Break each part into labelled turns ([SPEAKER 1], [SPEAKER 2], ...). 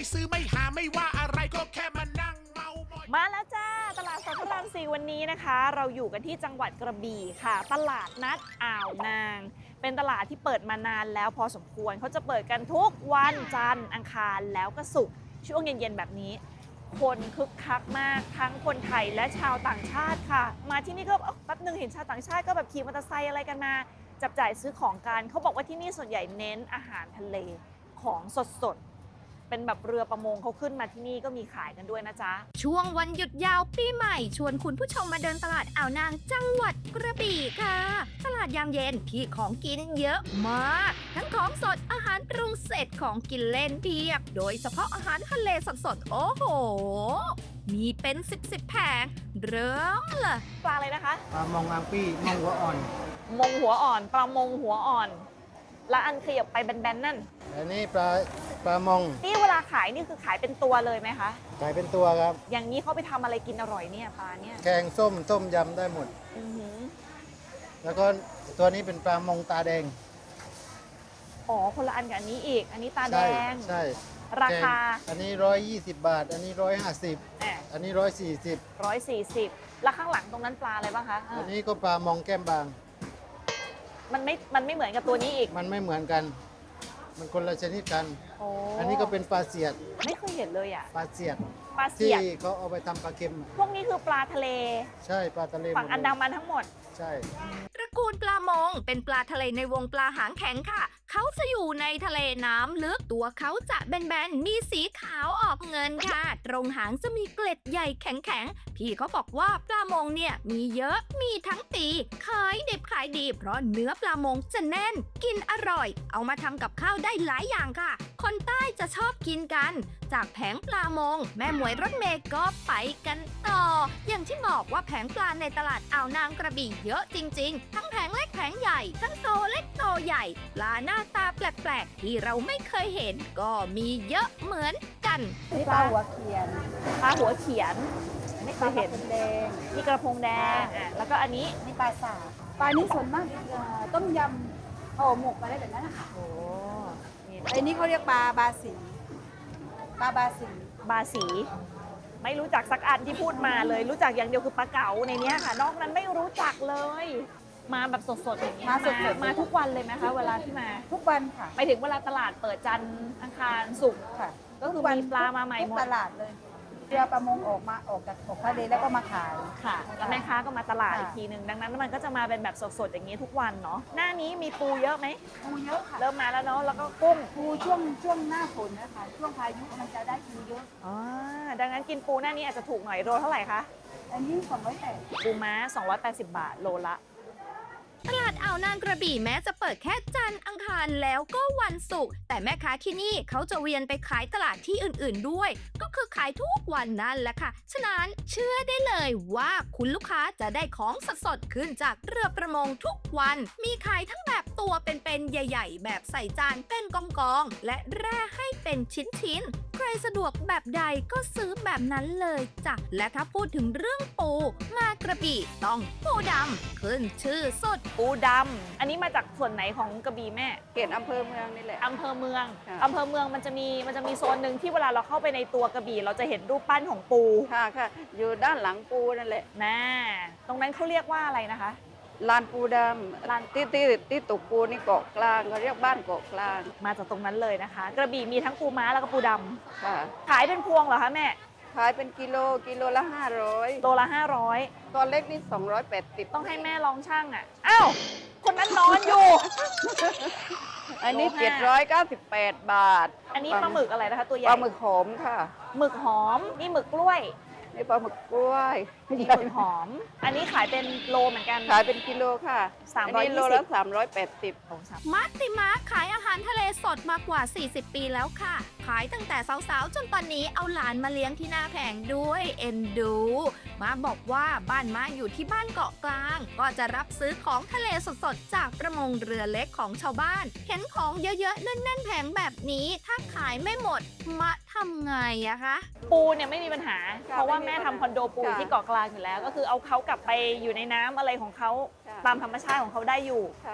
[SPEAKER 1] ซื้อไม่หาไม่ว่าอะไรก็แค่มานั่งเมาหมอย
[SPEAKER 2] มาแล้วจ้าตลาดสดพระราม 4วันนี้นะคะ เราอยู่กันที่จังหวัดกระบี่ค่ะตลาดนัดอ่าวนาง เป็นตลาดที่เปิดมานานแล้วพอสมควรเขาจะเปิดกันทุกวันจันทร์อังคารแล้วก็ศุกร์ช่วงเย็นๆแบบนี้ คนคึกคักมากทั้งคนไทยและชาวต่างชาติค่ะ มาที่นี่ก็แป๊บนึงเห็นชาวต่างชาติก็แบบขี่มอเตอร์ไซค์อะไรกันมาจับจ่ายซื้อของกันเขาบอกว่าที่นี่ส่วนใหญ่เน้นอาหารทะเลของสดๆเป็นแบบเรือประมงเขาขึ้นมาที่นี่ก็มีขายกันด้วยนะจ๊ะ
[SPEAKER 3] ช่วงวันหยุดยาวปีใหม่ชวนคุณผู้ชมมาเดินตลาดอ่าวนางจังหวัดกระบี่ค่ะ ตลาดยามเย็นที่ของกินเยอะมาก ทั้งของสดอาหารปรุงเสร็จของกินเล่นเพียบ โดยเฉพาะอาหารทะเลสดๆโอ้โห มีเป็น10แผงเริ่มเลย
[SPEAKER 2] ปลาอะไรนะคะ
[SPEAKER 4] ปลามองอังปี้มองหัวอ่อน
[SPEAKER 2] มงหัวอ่อนปลามงหัวอ่อน แล้วอันขยับไปแบนๆนั่น
[SPEAKER 4] อันนี้ปลามอง
[SPEAKER 2] นี่เวลาขายนี่คือขายเป็นตัวเลยไหมคะ
[SPEAKER 4] ขายเป็นตัวครับ
[SPEAKER 2] อย่างนี้เขาไปทำอะไรกินอร่อยเนี่ยปลาเนี่ย
[SPEAKER 4] แกงส้มต้มยำได้หมด
[SPEAKER 2] อือหือ
[SPEAKER 4] แล้วก็ตัวนี้เป็นปลามองตาแดง
[SPEAKER 2] อ๋อคนละอันกับอันนี้อีก อันนี้ตาแด
[SPEAKER 4] ใช่
[SPEAKER 2] ง
[SPEAKER 4] ใช่
[SPEAKER 2] ราคา
[SPEAKER 4] แกงอันนี้120 บาท อันนี้150อันนี้140
[SPEAKER 2] 140แล้วข้างหลังตรงนั้นปลาอะไรบ้างคะ
[SPEAKER 4] อันนี้ก็ปลามองแก้มบาง
[SPEAKER 2] มันไม่เหมือนกับตัวนี้อีก
[SPEAKER 4] มันไม่เหมือนกัน มันคนละชนิดกัน
[SPEAKER 2] โอ้
[SPEAKER 4] อันนี้ก็เป็นปลาเสียด
[SPEAKER 2] ไม่เคยเห็นเลยอ่ะ
[SPEAKER 4] ปลาเสียด
[SPEAKER 2] ปลาเสี
[SPEAKER 4] ที่
[SPEAKER 2] ยด
[SPEAKER 4] เขาเอาไปทำปลาเค็ม
[SPEAKER 2] พวกนี้คือปลาทะเล
[SPEAKER 4] ใช่ปลาทะเล
[SPEAKER 2] ฝั่งอันดามันทั้งหมด
[SPEAKER 4] ใช่
[SPEAKER 3] ตระกูลปลามงเป็นปลาทะเลในวงปลาหางแข็งค่ะ เขาจะอยู่ในทะเลน้ำลึก ตัวเขาจะแบนๆ มีสีขาวออกเงินค่ะ ตรงหางจะมีเกล็ดใหญ่แข็งๆ พี่เขาบอกว่าปลามงเนี่ยมีเยอะ มีทั้งปีขายดิบขายดี เพราะเนื้อปลามงจะแน่น กินอร่อย เอามาทำกับข้าวได้หลายอย่างค่ะ คนใต้จะชอบกินกัน จากแผงปลามง แม่หมวยรถเมย์ก็ไปกันต่อ อย่างที่บอกว่าแผงปลาในตลาดอ่าวนางกระบี่เยอะจริงๆ ทั้งแผงเล็กแผงใหญ่ ทั้งโตเล็กโตใหญ่ ปลาหน้าตาแปลกๆ ที่เราไม่เคยเห็น ก็มีเยอะเหมือนกัน
[SPEAKER 5] นี่ปลาหัวเขียน
[SPEAKER 2] ปลาหัวเขียน ไม่เคยเห็น
[SPEAKER 5] แดง
[SPEAKER 2] มีกระพงแดงแล้วก็อันนี้
[SPEAKER 5] นี่ปลาสากปลานี้ส่วนมากต้มยำห่อหมกอะไรแบบนั้นนะคะ
[SPEAKER 2] โอ้นี่
[SPEAKER 5] ไอ้นี่เขาเรียกปลาบาสีปลาบาสี
[SPEAKER 2] บาสี ไม่รู้จักสักอันที่พูดมาเลย รู้จักอย่างเดียวคือปลาเก๋าในเนี้ยค่ะ นอกนั้นไม่รู้จักเลย มาแบบสดๆอย่างนี้ย
[SPEAKER 5] มาสดๆ
[SPEAKER 2] มาทุกวันเลยไหมคะเวลาที่มา
[SPEAKER 5] ทุกวันค่ะ
[SPEAKER 2] ไปถึงเวลาตลาดเปิดจันทร์อังคารศุกร์
[SPEAKER 5] ค่ะ
[SPEAKER 2] ก็คือมีปลามาใหม่หมด
[SPEAKER 5] ทุกตลาดเลยเรือประมงออกจากทะเลแล้วก็มาขาย
[SPEAKER 2] ค่ะแล้วแม่ค้าก็มาตลาด
[SPEAKER 5] ค่ะ
[SPEAKER 2] อีกทีหนึ่งดังนั้นมันก็จะมาเป็นแบบสดๆอย่างนี้ทุกวันเนาะหน้านี้มีปูเยอะไหม
[SPEAKER 5] ปูเยอะค่ะ
[SPEAKER 2] เริ่มมาแล้วเนาะแล้วก็กุ้ง
[SPEAKER 5] ปูช่วงหน้าฝนนะคะช่วงพายุมันจะได้ปูเยอะ
[SPEAKER 2] อ๋อดังนั้นกินปูหน้านี้อาจจะถูกหน่อยโลเท่าไหร่คะ
[SPEAKER 5] อันนี้280
[SPEAKER 2] ปูม้า 280 บาทโลละ
[SPEAKER 3] ตลาดอ่าวนางกระบี่แม้จะเปิดแค่จันทร์อังคารแล้วก็วันศุกร์แต่แม่ค้าที่นี่เขาจะเวียนไปขายตลาดที่อื่นๆด้วย ก็คือขายทุกวันนั่นแหละค่ะ ฉะนั้นเชื่อได้เลยว่าคุณลูกค้าจะได้ของสดๆขึ้นจากเรือประมงทุกวัน มีขายทั้งแบบตัวเป็นๆใหญ่ๆ แบบใส่จานเป็นกองๆและแร่ให้เป็นชิ้นๆ ใครสะดวกแบบใดก็ซื้อแบบนั้นเลยจ้ะและถ้าพูดถึงเรื่องปูมากระบี่ต้องปูดำขึ้นชื่อสุด
[SPEAKER 2] ปูดำอันนี้มาจากส่วนไหนของกระบี่แม่
[SPEAKER 5] เขตอำเภอเมืองนี่แหละ
[SPEAKER 2] อำเภอเมือง
[SPEAKER 5] ค่ะ
[SPEAKER 2] อำเภอเมืองมันจะมีโซนหนึ่งที่เวลาเราเข้าไปในตัวกระบี่เราจะเห็นรูปปั้นของปู
[SPEAKER 6] ค่ะค่ะ อยู่ด้านหลังปูนั่นแหละ
[SPEAKER 2] นะตรงนั้นเขาเรียกว่าอะไรนะคะ
[SPEAKER 6] ลานปูดำลานที่ตกปูนี่เกาะกลางเขาเรียกบ้านเกาะกลาง
[SPEAKER 2] มาจากตรงนั้นเลยนะคะ กระบี่มีทั้งปูม้าแล้วก็ปูดำ
[SPEAKER 6] ค่ะ
[SPEAKER 2] ขายเป็นพวงเหรอคะแม่
[SPEAKER 6] ขายเป็นกิโลละ
[SPEAKER 2] โลละ
[SPEAKER 6] 500ตอนเล็กนี่280
[SPEAKER 2] 500ต้องให้แม่ลองช่างอ่ะอ้าวคนนั้นนอนอยู่
[SPEAKER 6] อันนี้
[SPEAKER 2] โลห้า
[SPEAKER 6] 798 บาท
[SPEAKER 2] อันนี้ปลาหมึกอะไรนะคะตัวใหญ่
[SPEAKER 6] ปลาหมึกหอมค่ะ
[SPEAKER 2] หมึกหอมนี่หมึกกล้วย
[SPEAKER 6] นี่ปลาหมึกกล้วย
[SPEAKER 2] นี่หมึกหอม อันนี้ขายเป็นโลเหมือนกัน
[SPEAKER 6] ขายเป็นกิโลค่ะ
[SPEAKER 2] 320
[SPEAKER 6] อันนี้โลละ380
[SPEAKER 2] โอ้สาม
[SPEAKER 3] มัตติมาขายอาหารทะเลสดมากว่า 40 ปีแล้วค่ะ ขายตั้งแต่สาวๆ จนตอนนี้เอาหลานมาเลี้ยงที่หน้าแผงด้วยเอ็นดู มาบอกว่าบ้านมาอยู่ที่บ้านเกาะกลาง ก็จะรับซื้อของทะเลสดๆ จากประมงเรือเล็กของชาวบ้าน เห็นของเยอะๆแน่นๆแผงแบบนี้ ถ้าขายไม่หมดมาทำไงอะคะ
[SPEAKER 2] ปูเนี่ยไม่มีปัญหา
[SPEAKER 6] ค่ะ
[SPEAKER 2] เพราะว่า
[SPEAKER 6] ไม่มี
[SPEAKER 2] แม่
[SPEAKER 6] ปัญ
[SPEAKER 2] ทำ
[SPEAKER 6] หา
[SPEAKER 2] คอนโดปูอยู่
[SPEAKER 6] ค่ะ
[SPEAKER 2] ที่เกาะกลางอยู่แล้ว ก็คือเอาเขากลับไปอยู่ในน้ำอะไรของเขา
[SPEAKER 6] ค่ะ
[SPEAKER 2] ตามธรรมชาติของเขาได้อยู่
[SPEAKER 6] ค่ะ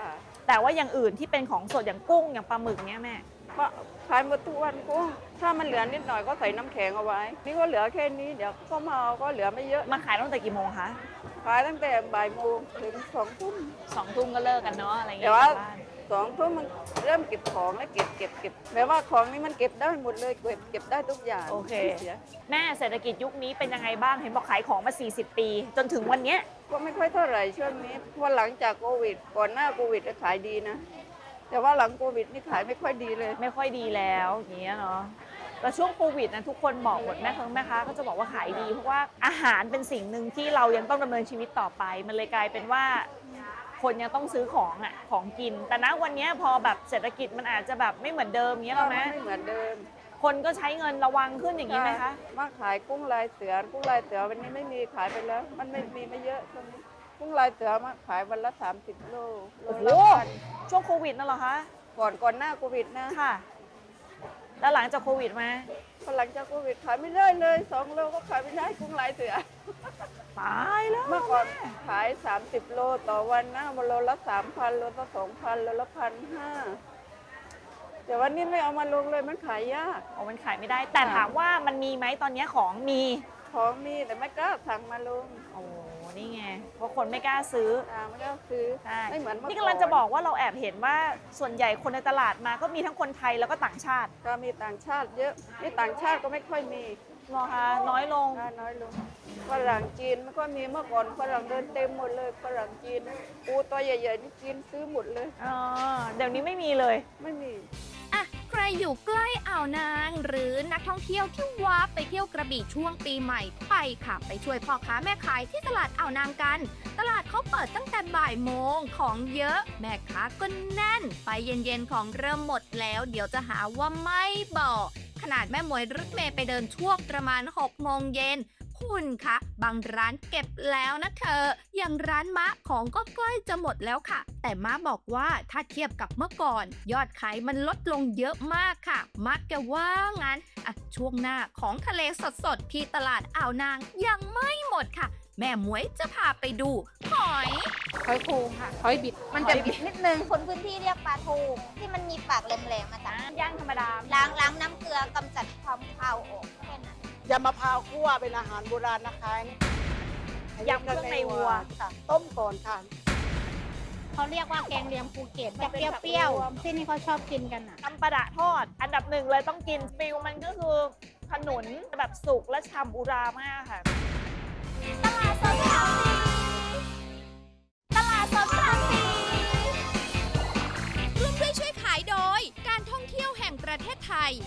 [SPEAKER 2] แต่ว่าอย่างอื่นที่เป็นของสดอย่างกุ้งอย่างปลาหมึกเนี้ยแม่
[SPEAKER 6] ก็ขายหมดทุกวันกุ้งถ้ามันเหลือนิดหน่อยก็ใส่น้ำแข็งเอาไว้ นี่ก็เหลือแค่นี้เดี๋ยวก็มาเอาก็เหลือไม่เยอะ
[SPEAKER 2] มาขายตั้งแต่กี่โมงคะ
[SPEAKER 6] ขายตั้งแต่บ่ายโมงถึง2 ทุ่ม
[SPEAKER 2] 2 ทุ่มก็เลิกกันเนาะอะไรอย่าง
[SPEAKER 6] แต่
[SPEAKER 2] เงี้ย
[SPEAKER 6] ว่า
[SPEAKER 2] กลับบ้าน
[SPEAKER 6] 2 ทุ่มมันเริ่มเก็บของแล้วเก็บแบบว่าของนี้มันเก็บได้หมดเลยเก็บได้ทุกอย่าง
[SPEAKER 2] โอเค
[SPEAKER 6] ไม่สีย
[SPEAKER 2] แม่เศรษฐกิจยุคนี้เป็นยังไงบ้างเห็นบอกขายของมา 40 ปี จนถึงวันเนี้ย
[SPEAKER 6] ก็ไม่ค่อยเท่าไหร่ช่วงนี้เพราะหลังจากโควิดก่อนหน้าโควิดก็ขายดีนะ แต่ว่าหลังโควิดนี่ขายไม่ค่อยดีเลย
[SPEAKER 2] ไม่ค่อยดีแล้วอย่างเงี้ยเนาะแต่ช่วงโควิดนะทุกคนบอกหมดแม่ค้าก็จะบอกว่าขายดีเพราะว่าอาหารเป็นสิ่งหนึ่งที่เรายังต้องดำเนินชีวิตต่อไป มันเลยกลายเป็นว่า คนยังต้องซื้อของอ่ะของกิน แต่ณวันเนี้ยพอแบบเศรษฐกิจมันอาจจะแบบไม่เหมือนเดิมเงี้ยหรอไหม
[SPEAKER 6] ไม่เหมือนเดิม
[SPEAKER 2] คนก็ใช้เงินระวังขึ้นอย่างนี้ไหมคะ
[SPEAKER 6] มาขายกุ้งลายเสือกุ้งลายเสือวันนี้ไม่มีขายไปแล้ว มันไม่เยอะช่วงนี้กุ้งลายเสือมาขายวันละ30 โล
[SPEAKER 2] โอ้โห
[SPEAKER 6] ละพัน
[SPEAKER 2] ช่วงโควิดนั่นเหรอคะ
[SPEAKER 6] ก่อนหน้าโควิดนะ
[SPEAKER 2] ค่ะ แล้วหลังจากโควิดมา
[SPEAKER 6] พอหลังจากโควิดขายไม่ได้เลย2 โลก็ขายไม่ได้กุ้งลายเสือ
[SPEAKER 2] ตายแล้ว
[SPEAKER 6] เมื่อก่อนขาย30 โลต่อวันนะโลละ 3,000 โลละ 2,000 โลละ 1,500แต่วันนี้ไม่เอามาลงเลยมันขายยาก
[SPEAKER 2] โอ้มันขายไม่ได้ แต่ถามว่ามันมีไหมตอนนี้ของมี
[SPEAKER 6] ของมีแต่ไม่กล้าสั่งมาลง
[SPEAKER 2] โอ้นี่ไงเพราะคนไม่กล้าซื้อ
[SPEAKER 6] ไม่กล้าซื้อ
[SPEAKER 2] ใช่
[SPEAKER 6] ไม่เหมือนเมื่อก่อน
[SPEAKER 2] นี่กำลังจะบอกว่าเราแอบเห็นว่าส่วนใหญ่คนในตลาดมาก็มีทั้งคนไทยแล้วก็ต่างชาติ
[SPEAKER 6] ก็มีต่างชาติเยอะนี่ต่างชาติก็ไม่ค่อยมี
[SPEAKER 2] เหรอคะน้อยลง
[SPEAKER 6] น้อยลงฝรั่งจีนไม่ค่อยมีเมื่อก่อนฝรั่งเดินเต็มหมดเลยฝรั่งจีนปูตัวใหญ่ๆนี่จีนซื้อหมดเลย
[SPEAKER 2] อ๋อ เดี๋ยวนี้ไม่มีเลย
[SPEAKER 6] ไม่มี
[SPEAKER 3] อ่ะใครอยู่ใกล้อ่าวนาง หรือนักท่องเที่ยวที่ว้าไปเที่ยวกระบี่ช่วงปีใหม่ไปค่ะ ไปช่วยพ่อค้าแม่ขายที่ตลาดอ่าวนางกัน ตลาดเขาเปิดตั้งแต่บ่ายโมงของเยอะ แม่ค้าก็แน่น ไปเย็นๆของเริ่มหมดแล้ว เดี๋ยวจะหาว่าไม่บอก ขนาดแม่หมวยรถเมย์ไปเดินช่วงประมาณ 6 โมงเย็น คุณคะบางร้านเก็บแล้วนะเธอ อย่างร้านมะของก็ใกล้จะหมดแล้วค่ะ แต่มะบอกว่าถ้าเทียบกับเมื่อก่อน ยอดขายมันลดลงเยอะมากค่ะมะแกว่างั้นอ่ะช่วงหน้าของทะเลสดๆที่ตลาดอ่าวนางยังไม่หมดค่ะ แม่หมวยจะพาไปดูหอย
[SPEAKER 5] หอยโขงค่ะ หอยบิด มันจะบิดนิดนึง
[SPEAKER 7] คนพื้นที่เรียกปลาทูที่มันมีปากแหลมๆมาจ้ะ
[SPEAKER 2] ย่างธรรมดา
[SPEAKER 7] ล้างน้ำเกลือกำจัดความคาวออกแค่นั้น
[SPEAKER 8] ยำมะพร้าวคั่วเป็นอาหารโบราณนะคะ
[SPEAKER 2] ยำเครื่องในวัว
[SPEAKER 8] ค่ะ ต้มก่อนค่ะ
[SPEAKER 7] เขาเรียกว่าแกงเลียงภูเก็ตจะเปรี้ยวๆที่นี่เขาชอบกินกันอ่ะ
[SPEAKER 2] ตำปลาดะทอด อันดับหนึ่งเลยต้องกินฟิลมันก็คือขนุนแบบสุกและฉ่ำอุรามากค่ะ
[SPEAKER 3] ตลาดสดพระรามสี่ตลาดสดพระรามสี่ร่วมด้วยช่วยขายโดย การท่องเที่ยวแห่งประเทศไทย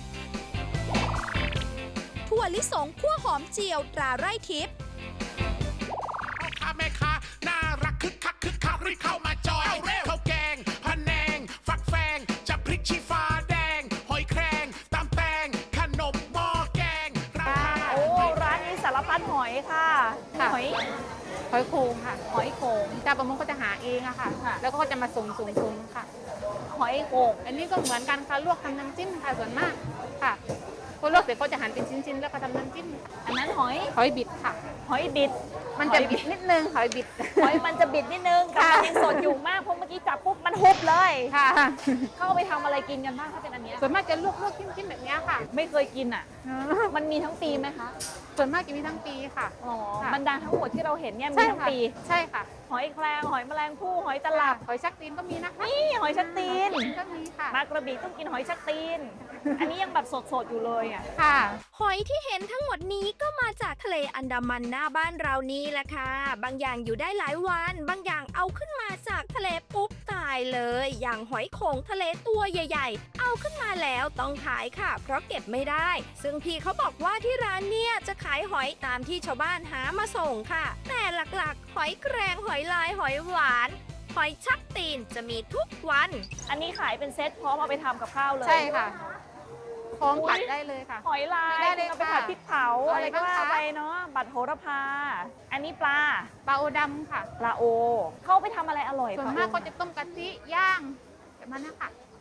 [SPEAKER 3] ถั่วลิสงคั่วหอมเจียวตราไร่ทิพย์
[SPEAKER 1] พ่อค้าแม่ค้าน่ารักคึกคักรีบเข้ามาจอยข้าวแกงพะแนง ฟักแฟงจะพริกชี้ฟ้าแดง หอยแครงตำแตงขนมหม้อแกงราคา
[SPEAKER 2] โอ้ ร้านนี้สารพัดหอยค่ะ
[SPEAKER 5] ค่ะ
[SPEAKER 2] หอย
[SPEAKER 5] หอยโขงค่ะ หอยโขงชาวประมงก็จะหาเองอะค่ะ
[SPEAKER 2] ค่ะ
[SPEAKER 5] แล้วก็จะมาส่งค่ะ
[SPEAKER 2] หอยโขง
[SPEAKER 5] อันนี้ก็เหมือนกันค่ะ ลวกทำน้ำจิ้มค่ะส่วนมากค่ะพอลวกเสร็จก็จะหั่นเป็นชิ้นๆ แล้วก็ทำน้ำจิ้ม
[SPEAKER 2] อันนั้นหอย
[SPEAKER 5] หอยบิดค่ะ
[SPEAKER 2] หอยบิด
[SPEAKER 5] มันจะบิดนิดนึง หอยบิด
[SPEAKER 2] หอยมันจะบิดนิดนึงแต่
[SPEAKER 5] ค่ะ
[SPEAKER 2] มันยังสดอยู่มากเพราะเมื่อกี้จับปุ๊บมันฮุบเลย
[SPEAKER 5] ค่ะ
[SPEAKER 2] เข้าไปทำอะไรกินกันบ้างถ้าเป็นอันเนี้ย
[SPEAKER 5] ส่วนมากจะลวกจิ้มๆแบบเนี้ยค่ะ
[SPEAKER 2] ไม่เคยกินอ่ะ มันมีทั้งปีไหมคะ
[SPEAKER 5] ส่วนมากจะมีทั้งปีค่ะ
[SPEAKER 2] อ๋อ
[SPEAKER 5] ค่ะ
[SPEAKER 2] บรรดาทั้งหมดที่เราเห็นเนี่ยมี
[SPEAKER 5] ใช่
[SPEAKER 2] ทั้ง
[SPEAKER 5] ค่ะ
[SPEAKER 2] ปี
[SPEAKER 5] ใช่ค่ะ
[SPEAKER 2] หอยแครงหอยแมลงภู่หอยตลับ
[SPEAKER 5] หอยชักตีนก็มีนะคะ
[SPEAKER 2] นี่หอยชักตีน
[SPEAKER 5] ก็มีค่ะ
[SPEAKER 2] มากระบี่ต้องกินหอยชักตีน อันนี้ยังแบบสดๆอยู่เลยอ่ะ
[SPEAKER 5] ค่ะ
[SPEAKER 3] หอยที่เห็นทั้งหมดนี้ก็มาจากทะเลอันดามันหน้าบ้านเรานี่แหละค่ะ บางอย่างอยู่ได้หลายวัน บางอย่างเอาขึ้นมาจากทะเลปุ๊บตายเลย อย่างหอยโขงทะเลตัวใหญ่ ๆ เอาขึ้นมาแล้วต้องขายค่ะ เพราะเก็บไม่ได้ ซึ่งพี่เขาบอกว่าที่ร้านเนี่ยจะขายหอยตามที่ชาวบ้านหามาส่งค่ะ แต่หลักๆ หอยแครงหอยลายหอยหวานหอยชักตีนจะมีทุกวัน
[SPEAKER 2] อันนี้ขายเป็นเซ็ตพร้อมเอาไปทำกับข้าวเลย
[SPEAKER 5] ใช่ค่ะพร้อมผัดได้เลยค่ะ
[SPEAKER 2] หอยลาย
[SPEAKER 5] ได้เลย
[SPEAKER 2] เอาไปผัดพริกเผา
[SPEAKER 5] ค่ะ
[SPEAKER 2] อะไรก็
[SPEAKER 5] อะไรบ้าง
[SPEAKER 2] ว่า
[SPEAKER 5] คะ
[SPEAKER 2] ไปเนาะบัตรโหระพา อันนี้ปลา
[SPEAKER 5] ปลาโอดำค่ะ
[SPEAKER 2] ปลาโอ เข้าไปทำอะไรอร่อย
[SPEAKER 5] ส่วน
[SPEAKER 2] ปล
[SPEAKER 5] มาก
[SPEAKER 2] โอ
[SPEAKER 5] ก็จะต้มกะทิย่างแบบนั้นนะคะ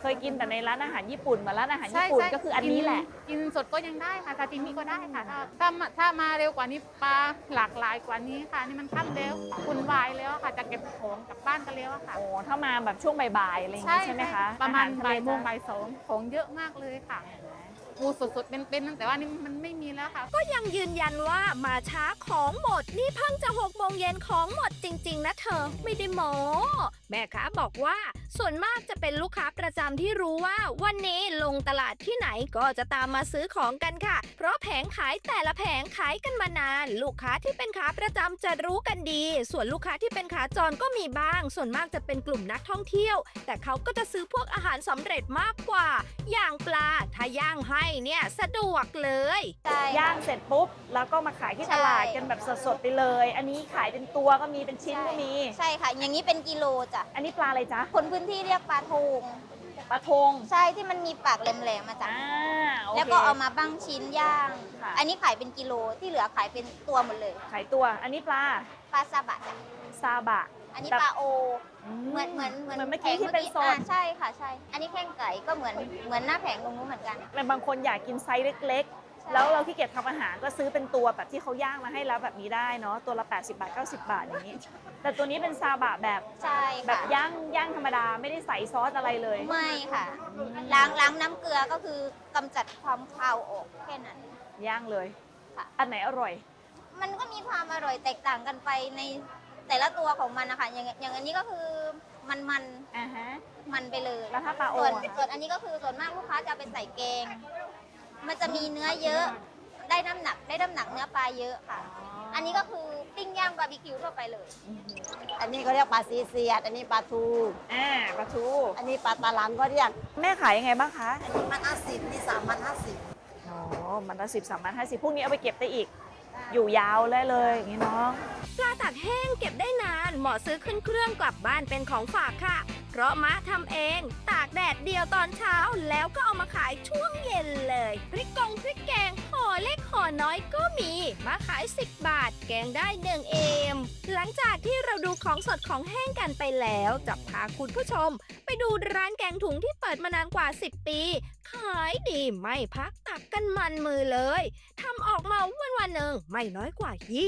[SPEAKER 2] เคยกินแต่ในร้านอาหารญี่ปุ่นมาร้านอาหารญี่ปุ่นก็คืออันนี้แหละ
[SPEAKER 5] กินสดก็ยังได้ค่ะซาซิมิก็ได้ค่ะถ้ามาเร็วกว่านี้ปลาหลากหลายกว่านี้ค่ะนี่มันค่ำแล้วคุณวายแล้วค่ะจะเก็บของกลับบ้านกันแล้วอะค่ะ
[SPEAKER 2] โอ้ถ้ามาแบบช่วงบ่ายๆอะไรอย่างงี้ใช่ไหมคะ
[SPEAKER 5] ประมาณ
[SPEAKER 2] อหท
[SPEAKER 5] บ่าย
[SPEAKER 2] จะ
[SPEAKER 5] โมงบ่ายสองของเยอะมากเลยค่ะปูสดๆเป็นๆแต่ว่านี่มันไม่มีแล้วค่ะ
[SPEAKER 3] ก็ยังยืนยันว่ามาช้าของหมด นี่เพิ่งจะ6 โมงเย็นของหมดจริง ๆ นะเธอไม่ได้โม้แม่ค้าบอกว่าส่วนมากจะเป็นลูกค้าประจำที่รู้ว่าวันนี้ลงตลาดที่ไหนก็จะตามมาซื้อของกันค่ะ เพราะแผงขายแต่ละแผงขายกันมานาน ลูกค้าที่เป็นขาประจำจะรู้กันดี ส่วนลูกค้าที่เป็นขาจรก็มีบ้าง ส่วนมากจะเป็นกลุ่มนักท่องเที่ยว แต่เขาก็จะซื้อพวกอาหารสำเร็จมากกว่า อย่างปลาถ้าย่างให้เนี่ยสะดวกเลย
[SPEAKER 7] ใช่
[SPEAKER 2] ย่างเสร็จปุ๊บ แล้วก็มาขายที่ตลาดกันแบบสดๆไปเลย อันนี้ขายเป็นตัวก็มีเป็นชิ้นก็มี
[SPEAKER 7] ใช่ค่ะ อย่างนี้เป็นกิโลจ้ะ
[SPEAKER 2] อันนี้ปลาอะไรจ๊ะ
[SPEAKER 7] คนพื้นที่เรียกปลาทูง
[SPEAKER 2] ปลาทง
[SPEAKER 7] ใช่ที่มันมีปากแหลมๆมาจ้ะ
[SPEAKER 2] โอเค
[SPEAKER 7] แล้วก็เอามาบ้างชิ้นย่าง
[SPEAKER 2] ค่ะ
[SPEAKER 7] อันนี้ขายเป็นกิโลที่เหลือขายเป็นตัวหมดเลย
[SPEAKER 2] ขายตัว อันนี้ปลา
[SPEAKER 7] ปลาซาบะจ้ะ
[SPEAKER 2] ซาบะ
[SPEAKER 7] อันนี้
[SPEAKER 2] แบบ
[SPEAKER 7] ปลาโอ เหมือน
[SPEAKER 2] เหมือนเมื่อกี้ที่เป็นสด
[SPEAKER 7] ใช่ค่ะใช่ อันนี้แข้งไก่ก็เหมือนหน้าแผงตรงนู้นเหมือนกัน
[SPEAKER 2] แต่บางคนอยากกินไซส์เล็ก ๆ แล้วเราที่เกียจทำอาหารก็ซื้อเป็นตัวแบบที่เขาย่างมาให้แล้วแบบนี้ได้เนาะ ตัวละ 80 บาท 90 บาทอย่างนี้ แต่ตัวนี้เป็นซาบะแบบ
[SPEAKER 7] ใช่
[SPEAKER 2] แบบ
[SPEAKER 7] ค่ะ
[SPEAKER 2] ย่างธรรมดาไม่ได้ใส่ซอสอะไรเลย
[SPEAKER 7] ไม่ค่ะ ล้างน้ำเกลือก็คือกำจัดความคาวออกแค่นั้น
[SPEAKER 2] ย่างเลย
[SPEAKER 7] ค่ะ
[SPEAKER 2] อันไหนอร่อย
[SPEAKER 7] มันก็มีความอร่อยแตกต่างกันไปในแต่ละตัวของมันนะคะอย่างอันนี้ก็คือมัน
[SPEAKER 2] อ่าฮะ
[SPEAKER 7] มันไปเลย
[SPEAKER 2] แล้วถ้าปลาโอ
[SPEAKER 7] ส่วน
[SPEAKER 2] อะ
[SPEAKER 7] ส่วนอันนี้ก็คือส่วนมากลูกค้าจะเอาไปใส่แกง มันจะมีเนื้อเยอะ ได้น้ำหนักเนื้อปลาเยอะค่ะ อันนี้ก็คือปิ้งย่างบาร์บีคิวทั่วไปเลย
[SPEAKER 8] อันนี้เขาเรียกปลาซีเสียด อันนี้ปลาทู
[SPEAKER 2] ปลาทู
[SPEAKER 8] อันนี้ปลาตาหลังก็เรียก
[SPEAKER 2] แม่ขายยังไงบ้างคะ
[SPEAKER 8] อันนี้มัน50นี่3,050
[SPEAKER 2] อ๋อ มันละ10 3,050พวกนี้เอาไปเก็บได้อีก อยู่ยาวได้เลยอย่างนี้เนาะ
[SPEAKER 3] ปลาตากแห้งเก็บได้นานเหมาะซื้อขึ้นเครื่องกลับบ้านเป็นของฝากค่ะ เพราะมะทำเองตากแดดเดียวตอนเช้าแล้วก็เอามาขายช่วงเย็นเลยพริกแกงห่อเล็กห่อน้อยก็มีมาขาย10 บาท แกงได้1 เอมหลังจากที่เราดูของสดของแห้งกันไปแล้วจะพาคุณผู้ชม ไปดูร้านแกงถุงที่เปิดมานานกว่า 10 ปี ขายดีไม่พักตักกันมันมือเลยทำออกมาวันหนึ่งไม่น้อยกว่า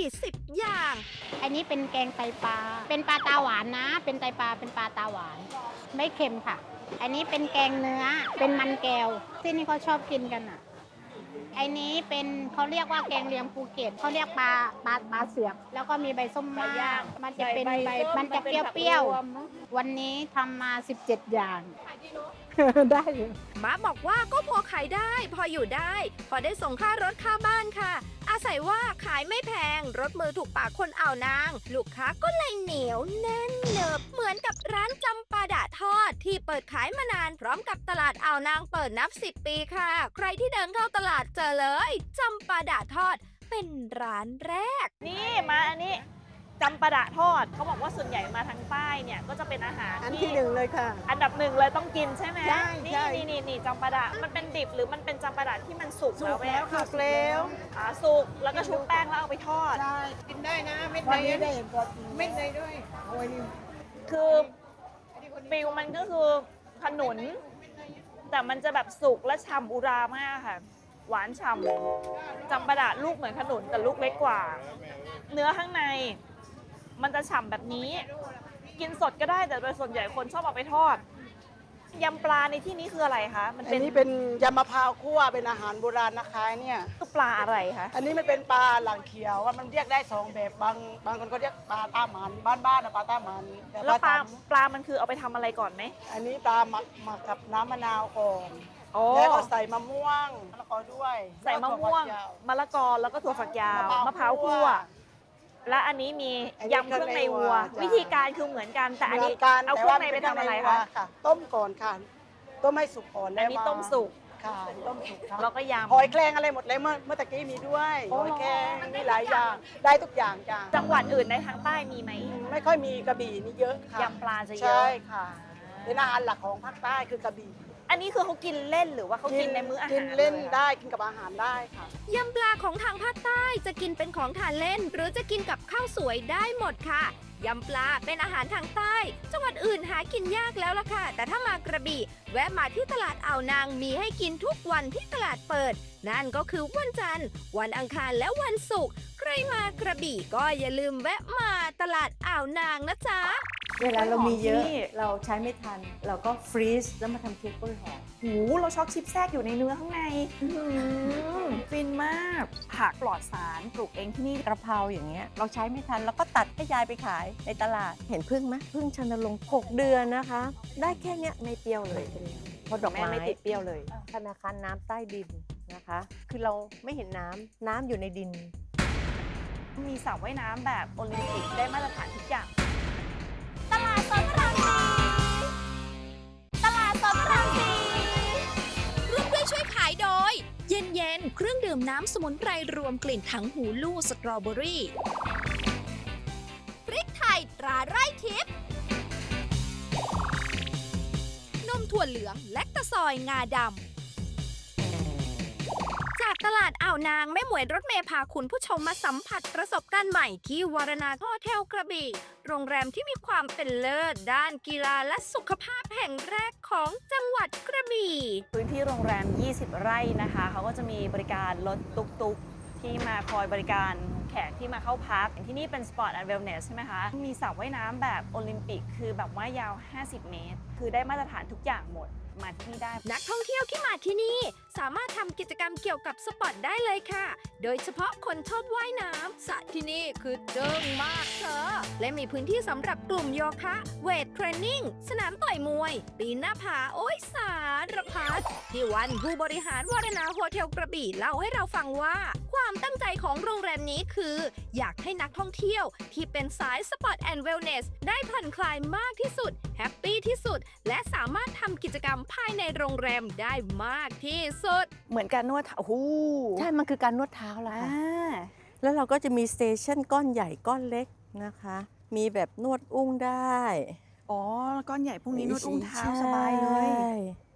[SPEAKER 3] 20 อย่าง
[SPEAKER 7] อันนี้เป็นแกงไตปลา เป็นปลาตาหวานนะ เป็นไตปลา เป็นปลาตาหวาน ไม่เค็มค่ะ อันนี้เป็นแกงเนื้อ เป็นมันแก้ว ที่นี่เขาชอบกินกันอ่ะ อันนี้เป็นเขาเรียกว่าแกงเลียงภูเก็ตเขาเรียกปลาเสือก แล้วก็มีใบส้มมากมันจะเป็นใบ มันจะเปรี้ยวๆ วันนี้ทำมา 17 อย่าง ได้อยู่
[SPEAKER 3] ม้าบอกว่าก็พอขายได้พออยู่ได้ พอได้ส่งค่ารถค่าบ้านค่ะ อาศัยว่าขายไม่แพง รถมือถูกปากคนอ่าวนาง ลูกค้าก็เลยเหนียวแน่นเนิบเหมือนกับร้านจำปาดะทอด ที่เปิดขายมานานพร้อมกับตลาดอ่าวนางเปิดนับ 10 ปีค่ะ ใครที่เดินเข้าตลาดเจอเลยจำปาดะทอดเป็นร้านแรก
[SPEAKER 2] นี่มาอันนี้จำปาดะทอดเขาบอกว่าส่วนใหญ่มาทางใต้เนี่ยก็จะเป็นอาหาร
[SPEAKER 8] อันที่หนึ่งเลยค่ะ
[SPEAKER 2] อันดับหนึ่งเลยต้องกินใช่ไหม
[SPEAKER 8] ใช่
[SPEAKER 2] นี่
[SPEAKER 8] ใช่
[SPEAKER 2] นี่จำปาดะมันเป็นดิบหรือมันเป็นจำปาดะที่มันสุก
[SPEAKER 8] สุ
[SPEAKER 2] แล้ว
[SPEAKER 8] ก
[SPEAKER 2] แม่
[SPEAKER 8] แล้วค่ะสุกแล้ว
[SPEAKER 2] สุกแล้วก็ชุบแป้งแล้วเอาไปทอด
[SPEAKER 8] ใช่
[SPEAKER 9] กินได้นะเม็ด
[SPEAKER 8] วัน
[SPEAKER 9] เน
[SPEAKER 8] นี้
[SPEAKER 9] ย
[SPEAKER 8] ได้เห็นตัวจริง
[SPEAKER 9] เม็ดเนยด้วย
[SPEAKER 8] โอ้ยนี่
[SPEAKER 2] คือฟิลมันก็คือขนุน แต่มันจะแบบสุกและฉ่ำอุรามากค่ะ หวานฉ่ำจำปาดะลูกเหมือนขนุนแต่ลูกเล็กกว่า เนื้อข้างใน มันจะฉ่ำแบบนี้ กินสดก็ได้แต่โดยส่วนใหญ่คนชอบเอาไปทอดยำปลาในที่นี้คืออะไรคะมัน
[SPEAKER 8] อั
[SPEAKER 2] เป็น
[SPEAKER 8] นนี้เป็นยำมะพร้าวคั่วเป็นอาหารโบราณนะคะเนี่ย
[SPEAKER 2] คือปลาอะไรคะ
[SPEAKER 8] อันนี้มันเป็นปลาหลังเขียวว่ามันเรียกได้2แบบบางคนก็เรียกปลาตาหมันบ้านๆนะปลาตาหมันแต่
[SPEAKER 2] แล้วปลา
[SPEAKER 8] ตำ
[SPEAKER 2] ปลามันคือเอาไปทำอะไรก่อนไหม
[SPEAKER 8] อันนี้ปลาหมักกับน้ำมะนาวก่อน
[SPEAKER 2] โอ้
[SPEAKER 8] แล้วก็ใส่มะม่วงมะละกอด้วย
[SPEAKER 2] ใส่มะม่วง
[SPEAKER 8] แล้วก็
[SPEAKER 2] มะละกอแล้วก็ถั่วฝักยาว
[SPEAKER 8] มะ
[SPEAKER 2] มะ
[SPEAKER 8] พ
[SPEAKER 2] พ
[SPEAKER 8] ร้า
[SPEAKER 2] ร้าว ว
[SPEAKER 8] คั่
[SPEAKER 2] คั่
[SPEAKER 8] ว
[SPEAKER 2] ว และอันนี้มียำเครื่องในวัว
[SPEAKER 8] จ้ะ
[SPEAKER 2] วิธีการคือเหมือนกันแต่อันนี้
[SPEAKER 8] เหมืกั
[SPEAKER 2] เอาเค
[SPEAKER 8] แต่
[SPEAKER 2] รื่อ
[SPEAKER 8] ว่
[SPEAKER 2] งในไปทำอะไร
[SPEAKER 8] เป็
[SPEAKER 2] คะ
[SPEAKER 8] นเคงในวัวต้มก่อนค่ะ ต้มให้สุกก่อน
[SPEAKER 2] อันนี้ต้มสุก
[SPEAKER 8] ค่ะต้มสุกครับ
[SPEAKER 2] แล้วก็ยำ
[SPEAKER 8] หอยแครงอะไรหมดเลยเมื่อตะกี้มีด้วย
[SPEAKER 2] โอ้
[SPEAKER 8] หอยแครงมีหลายอย่างได้ทุกอย่างจ้ะ
[SPEAKER 2] จังหวัดอื่นในทางใต้มีไหม
[SPEAKER 8] ไม่ค่อยมีกระบี่นี่เยอะค่ะ
[SPEAKER 2] ยำปลาจะเย
[SPEAKER 8] ใช่
[SPEAKER 2] อะ
[SPEAKER 8] ค่ะเป็นอาหารหลักของภาคใต้คือกระบี่
[SPEAKER 2] อันนี้คือเขากินเล่นหรือว่าเขากินในมื้ออาหาร
[SPEAKER 8] กินเล่น
[SPEAKER 2] ยอะ
[SPEAKER 8] ได้กินกับอาหารได้ค่ะ
[SPEAKER 3] ยำปลาของทางภาคใต้จะกินเป็นของทานเล่น หรือจะกินกับข้าวสวยได้หมดค่ะยำปลาเป็นอาหารทางใต้ จังหวัดอื่นหากินยากแล้วล่ะค่ะ แต่ถ้ามากระบี่แวะมาที่ตลาดอ่าวนางมีให้กินทุกวันที่ตลาดเปิด นั่นก็คือวันจันทร์วันอังคารและวันศุกร์ใครมากระบี่ก็อย่าลืมแวะมาตลาดอ่าวนางนะจ๊ะ
[SPEAKER 9] เวลาเรามีเยอะ
[SPEAKER 2] กล้วยหอมที่นี่
[SPEAKER 9] เราใช้ไม่ทัน เราก็ฟรีซแล้วมาทำเค้กกล้วยหอม
[SPEAKER 2] หูเราช็อกชิปแทรกอยู่ในเนื้อข้างในฟินมากผักปลอดสารปลูกเองที่นี่
[SPEAKER 9] กระเพราอย่างเงี้ยเราใช้ไม่ทันเราก็ตัดให้ยายไปขายในตลาด เห็นพึ่งไหมพึ่งชันลงค์6 เดือนนะคะ ได้แค่เนี้ย
[SPEAKER 2] ไม่เปรี้ยวเลย
[SPEAKER 9] เพราะดอก
[SPEAKER 2] แม่
[SPEAKER 9] ไม้
[SPEAKER 2] ไม่ติดเปรี้ยวเลย
[SPEAKER 9] ธนาคารน้ำใต้ดินนะคะ คือเราไม่เห็นน้ำอยู่ในดิน
[SPEAKER 2] มีสระว่ายน้ำแบบโอลิมปิกได้มาตรฐานทุกอย่าง
[SPEAKER 3] ตลาดสดพระรามสี่ตลาดสดพระรามสี่ร่วมด้วยช่วยขายโดย เย็นๆ เครื่องดื่มน้ำสมุนไพรรวมกลิ่นถังหูลู่สตรอเบอรี่ พริกไทยตราไร่ทิพย์ นมถั่วเหลืองและตะซอยงาดำ จากตลาดอ่าวนางแม่หมวยรถเมย์พาคุณผู้ชมมาสัมผัสประสบการณ์ใหม่ที่วารณาโฮเทลกระบี่ โรงแรมที่มีความเป็นเลิศด้านกีฬาและสุขภาพแห่งแรกของจังหวัดกระบี่
[SPEAKER 2] พื้นที่โรงแรม 20 ไร่นะคะ เขาก็จะมีบริการรถตุกๆ ที่มาคอยบริการแขกที่มาเข้าพัก ที่นี่เป็น Sport and Wellness ใช่ไหมคะ มีสระว่ายน้ำแบบโอลิมปิก คือแบบว่ายาว 50 เมตร คือได้มาตรฐานทุกอย่างหมด มาที่นี่ได้
[SPEAKER 3] นักท่องเที่ยวที่มาที่นี่ สามารถทำกิจกรรมเกี่ยวกับสปอร์ตได้เลยค่ะ โดยเฉพาะคนชอบว่ายน้ำสระที่นี่คือเจิงมากเธอและมีพื้นที่สำหรับกลุ่มโยคะ เวทเทรนนิ่ง สนามต่อยมวย ปีนหน้าผาโอ้ยสารพัดที่วันผู้บริหารวารณาโฮเทลกระบี่เล่าให้เราฟังว่า ความตั้งใจของโรงแรมนี้คือ อยากให้นักท่องเที่ยวที่เป็นสายสปอร์ตแอนด์เวลเนสได้ผ่อนคลายมากที่สุดแฮปปี้ที่สุดและสามารถทำกิจกรรมภายในโรงแรมได้มากที่สุด
[SPEAKER 2] เหมือนการนวดโอ้โห
[SPEAKER 9] ใช่ มันคือการนวดเท้าละ
[SPEAKER 2] อ่า
[SPEAKER 9] ค่ะ แล้วเราก็จะมีสเตชันก้อนใหญ่ก้อนเล็กนะคะ มีแบบนวดอุ้งได้
[SPEAKER 2] อ๋อ ก้อนใหญ่พวกนี้นวดอุ้งเท้าสบายเลย
[SPEAKER 9] ใช่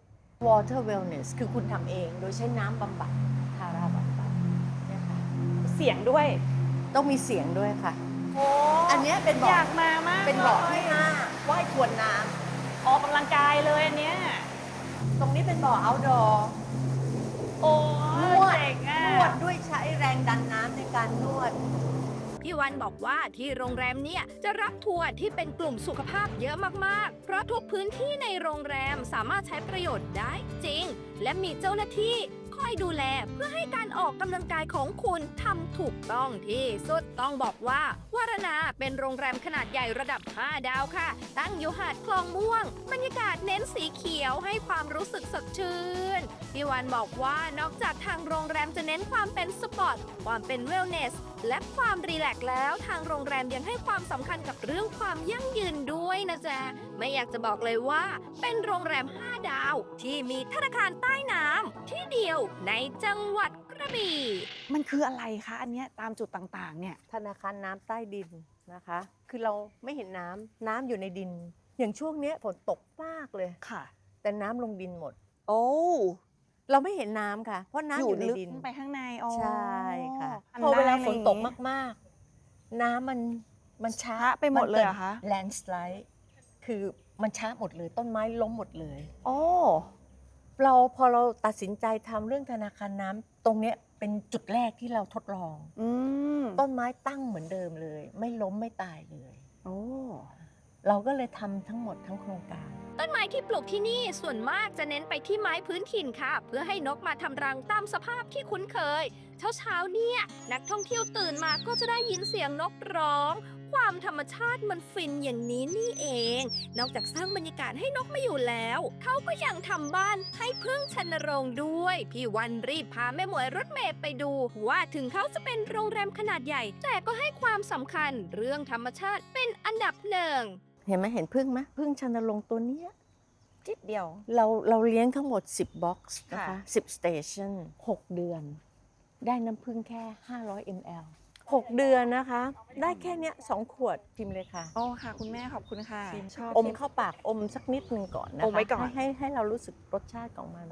[SPEAKER 9] Water Wellness คือคุณทำเองโดยใช้น้ำบำบัดทาราบำบัดเนี่ยค่ะ
[SPEAKER 2] เสียงด้วย
[SPEAKER 9] ต้องมีเสียงด้วยค่ะ
[SPEAKER 2] โอ้
[SPEAKER 9] อันเนี้ยเป็น
[SPEAKER 2] อ
[SPEAKER 9] เบาะ
[SPEAKER 2] ยากมามาก
[SPEAKER 9] เป็นเบาะ
[SPEAKER 2] ล
[SPEAKER 9] ที่
[SPEAKER 2] ย
[SPEAKER 9] 5ว่ายทวนน้ำ
[SPEAKER 2] ออกกำลังกายเลยอันเนี้ย
[SPEAKER 9] ตรงนี้เป็นบ่อ outdoor
[SPEAKER 2] โอ้
[SPEAKER 9] นวด
[SPEAKER 2] เจ๋งอ่ะ
[SPEAKER 9] นวดด้วยใช้แรงดันน้ำในการนวด
[SPEAKER 3] พี่วันบอกว่าที่โรงแรมเนี่ยจะรับทัวร์ที่เป็นกลุ่มสุขภาพเยอะมากๆ เพราะทุกพื้นที่ในโรงแรมสามารถใช้ประโยชน์ได้จริง และมีเจ้าหน้าที่คอยดูแลเพื่อให้การออกกำลังกายของคุณทำถูกต้องที่สุดต้องบอกว่าวารณาเป็นโรงแรมขนาดใหญ่ระดับ 5 ดาวค่ะ ตั้งอยู่หาดคลองม่วง บรรยากาศเน้นสีเขียวให้ความรู้สึกสดชื่น พี่วันบอกว่านอกจากทางโรงแรมจะเน้นความเป็นสปอร์ต ความเป็นเวลเนส และความรีแลกซ์แล้วทางโรงแรมยังให้ความสำคัญกับเรื่องความยั่งยืนด้วยนะจ๊ะ ไม่อยากจะบอกเลยว่า เป็นโรงแรม 5 ดาว ที่มีธนาคารใต้น้ำที่เดียวในจังหวัดกระบี่
[SPEAKER 2] มันคืออะไรคะอันเนี้ยตามจุดต่างๆ เนี่ย
[SPEAKER 9] ธนาคารน้ำใต้ดินนะคะ คือเราไม่เห็นน้ำอยู่ในดิน อย่างช่วงเนี้ยฝนตกมากเลย
[SPEAKER 2] ค่ะ
[SPEAKER 9] แต่น้ำลงดินหมด
[SPEAKER 2] โอ้
[SPEAKER 9] เราไม่เห็นน้ำค่ะ เพราะน้ำอยู่ใน
[SPEAKER 2] ลึก
[SPEAKER 9] ดิน
[SPEAKER 2] ไปข้างในอ๋อ
[SPEAKER 9] ใช่ค่ะ
[SPEAKER 2] อัน
[SPEAKER 9] พอเวลา
[SPEAKER 2] ได้
[SPEAKER 9] ฝนตก
[SPEAKER 2] อะไรอย่างงี้
[SPEAKER 9] มากๆ น้ำมันช้า
[SPEAKER 2] ช้าไปหมดเลยเหรอคะ
[SPEAKER 9] แลนด์สไลด์คือมันช้าหมดเลย ต้นไม้ล้มหมดเลย
[SPEAKER 2] โอ้
[SPEAKER 9] พอเราตัดสินใจทำเรื่องธนาคารน้ำตรงเนี้ยเป็นจุดแรกที่เราทดลอง
[SPEAKER 2] อืม
[SPEAKER 9] ต้นไม้ตั้งเหมือนเดิมเลย ไม่ล้มไม่ตายเลย
[SPEAKER 2] โอ้
[SPEAKER 9] เราก็เลยทำทั้งหมดทั้งโครงการ
[SPEAKER 3] ต้นไม้ที่ปลูกที่นี่ส่วนมากจะเน้นไปที่ไม้พื้นถิ่นค่ะ เพื่อให้นกมาทำรังตามสภาพที่คุ้นเคย เช้าๆเนี่ยนักท่องเที่ยวตื่นมาก็จะได้ยินเสียงนกร้อง ความธรรมชาติมันฟินอย่างนี้นี่เอง นอกจากสร้างบรรยากาศให้นกมาอยู่แล้ว เขาก็ยังทำบ้านให้พึ่งชันโรงด้วย พี่วันรีบพาแม่หมวยรถเมย์ไปดู ว่าถึงเขาจะเป็นโรงแรมขนาดใหญ่ แต่ก็ให้ความสำคัญเรื่องธรรมชาติเป็นอันดับหนึ่ง
[SPEAKER 9] เห็นไหมเห็นพึ่งไหมพึ่งชันลงค์ตัวเนี้ย
[SPEAKER 2] จิดเดียว
[SPEAKER 9] เราเลี้ยงทั้งหมด 10 บ็อกซ์นะคะ
[SPEAKER 2] ค่ะ
[SPEAKER 9] 10 สเตชัน6 เดือน ได้น้ำพึ่งแค่ 500 ml 6 เดือนนะคะ ได้แค่เนี้ย2 ขวดพิมพ์เลยค่ะ
[SPEAKER 2] โอ้ค่ะ คุณแม่ขอบคุณค่ะ ชอบ
[SPEAKER 9] อมเข้าปากอมสักนิดหนึ่งก่อนนะคะ
[SPEAKER 2] อมไว้ก่อน
[SPEAKER 9] ให้เรารู้สึกรสชาติของมัน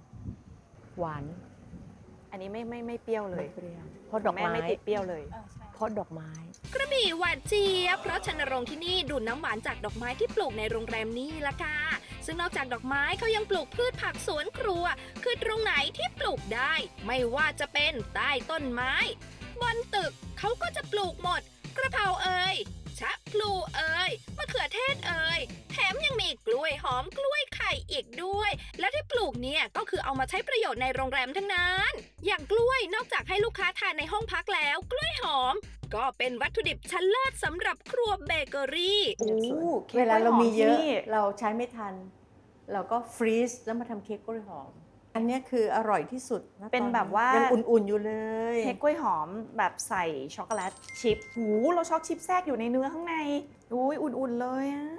[SPEAKER 9] หวาน
[SPEAKER 2] อันนี้ไม่เปรี้ยวเลย
[SPEAKER 9] ไม่เปรี้ยวเพราะดอก
[SPEAKER 2] แม่
[SPEAKER 9] ไม้
[SPEAKER 2] ไม่ติดเปรี้ยวเลย
[SPEAKER 9] าะดอกไม้
[SPEAKER 3] กระบี่หวานเจี๊ยบเพราะชนรงค์ที่นี่ดูดน้ำหวานจากดอกไม้ที่ปลูกในโรงแรมนี่ละค่ะซึ่งนอกจากดอกไม้เขายังปลูกพืชผักสวนครัว คือตรงไหนที่ปลูกได้ ไม่ว่าจะเป็นใต้ต้นไม้บนตึกเขาก็จะปลูกหมด กระเพราเอ่ยชะพลูเอ่ยมะเขือเทศเอ่ยแถมยังมีกล้วยหอมกล้วยไข่อีกด้วย และที่ปลูกเนี่ยก็คือเอามาใช้ประโยชน์ในโรงแรมทั้งนั้นอย่างกล้วยนอกจากให้ลูกค้าทานในห้องพักแล้วกล้วยหอมก็เป็นวัตถุดิบชั้นเลิศสำหรับครัวเบเกอรี่
[SPEAKER 2] โอ้ค้ก
[SPEAKER 9] เวลาเรามีเยอะ
[SPEAKER 2] กล้วยหอมที่นี่
[SPEAKER 9] เราใช้ไม่ทัน เราก็ฟรีซแล้วมาทำเค้กกล้วยหอม อันเนี้ยคืออร่อยที่สุดะ
[SPEAKER 2] เป็นแบบว่า
[SPEAKER 9] ยังอุ่นๆอยู่เลย
[SPEAKER 2] เค้กกล้วยหอมแบบใส่ช็อกโกแลตชิพหูเราช็อกชิพแทรกอยู่ในเนื้อข้างในอุ้ยอุ่นๆเลยอ่ะ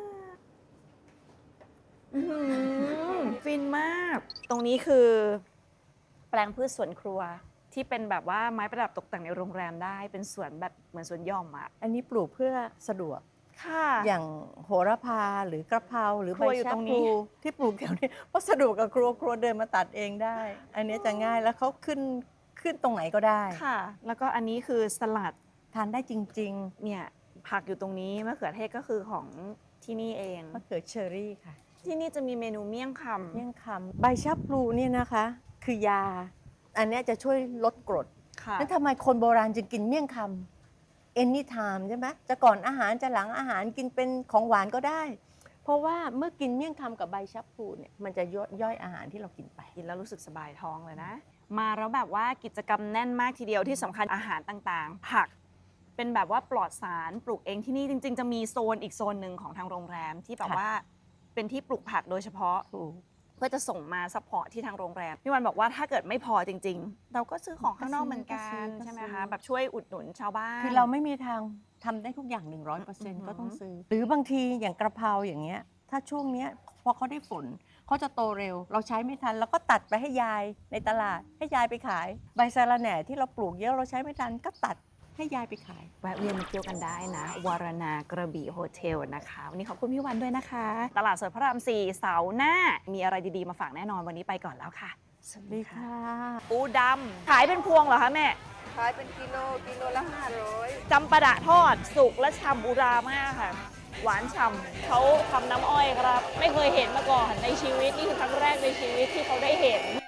[SPEAKER 2] อื้อหือฟินมาก ตรงนี้คือ แปลงพืชสวนครัวที่เป็นแบบว่าไม้ประดับตกแต่งในโรงแรมได้เป็นสวนแบบเหมือนสวนหย่อมอ่ะ
[SPEAKER 9] อันนี้ปลูกเพื่อสะดวก
[SPEAKER 2] ค่ะ
[SPEAKER 9] อย่างโหระพาหรือกระเพราหรือ
[SPEAKER 2] ค
[SPEAKER 9] ใบ
[SPEAKER 2] รัวอยู่
[SPEAKER 9] ชะ
[SPEAKER 2] ตรง
[SPEAKER 9] พ
[SPEAKER 2] นี้
[SPEAKER 9] ลูที่ปลูกแถวนี้เพราะสะดวกกับครัวเดินมาตัดเองได้ อันเนี้ยจะง่ายแล้วเขาขึ้นตรงไหนก็ได้
[SPEAKER 2] ค่ะ แล้วก็อันนี้คือสลัด
[SPEAKER 9] ทานได้จริง
[SPEAKER 2] เนี่ยผักอยู่ตรงนี้มะเขือเทศก็คือของที่นี่เอง
[SPEAKER 9] ๆมะเขือเชอรี่ค่ะ
[SPEAKER 2] ที่นี่จะมีเมนูเมี่ยงคำ
[SPEAKER 9] เมี่ยงคำใบชะพลูเนี่ยนะคะ คือยา อันเนี้ยจะช่วยลดกรด
[SPEAKER 2] ค่ะ
[SPEAKER 9] นั้นทำไมคนโบราณจึงกินเมี่ยงคำ anytime ใช่ไหมจะก่อนอาหารจะหลังอาหารกินเป็นของหวานก็ได้ เพราะว่าเมื่อกินเมี่ยงคำกับใบชะพลูเนี่ยมันจะย่อยอาหารที่เรากินไป
[SPEAKER 2] กินแล้วรู้สึกสบายท้องเลยนะ มาแล้วแบบว่ากิจกรรมแน่นมากทีเดียวที่สำคัญอาหารต่างๆ ผักเป็นแบบว่าปลอดสารปลูกเองที่นี่จริง ๆ จะมีโซนอีกโซนหนึ่งของทางโรงแรมที่แบบ
[SPEAKER 9] ค่ะ
[SPEAKER 2] ว่าเป็นที่ปลูกผักโดยเฉพาะ
[SPEAKER 9] ถูก
[SPEAKER 2] เพื่อจะส่งมาซัพพอร์ตที่ทางโรงแรมพี่วันบอกว่าถ้าเกิดไม่พอจริง ๆ เราก็ซื้อของข้างนอกเหมือนกันใช่ไหมคะแบบช่วยอุดหนุนชาวบ้าน
[SPEAKER 9] คือเราไม่มีทางทำได้ทุกอย่าง 100%ก็ต้องซื้อ หรือบางทีอย่างกระเพราอย่างเงี้ยถ้าช่วงเนี้ยพอเขาได้ฝนเขาจะโตเร็ว เราใช้ไม่ทันเราก็ตัดไปให้ยายในตลาดให้ยายไปขาย ใบสะระแหน่ที่เราปลูกเยอะเราใช้ไม่ทันก็ตัดให้ยายไปขาย
[SPEAKER 2] แวะเวียนมาเที่ยวกันได้นะวารณากระบี่โฮเทลนะคะ วันนี้ขอบคุณพี่วันด้วยนะคะ ตลาดสดพระราม 4 เสาร์หน้า มีอะไรดีๆมาฝากแน่นอนวันนี้ไปก่อนแล้วค่ะ
[SPEAKER 9] สวัสดีค่ะ
[SPEAKER 2] ปูดำขายเป็นพวงเหรอคะแม่
[SPEAKER 6] ขายเป็นกิโลละ500
[SPEAKER 2] จำปาดะทอดสุกและฉ่ำอุรามากค่ะ หวานฉ่ำเขาทำน้ำอ้อยครับ ไม่เคยเห็นมาก่อนในชีวิตนี่คือครั้งแรกในชีวิตที่เขาได้เห็น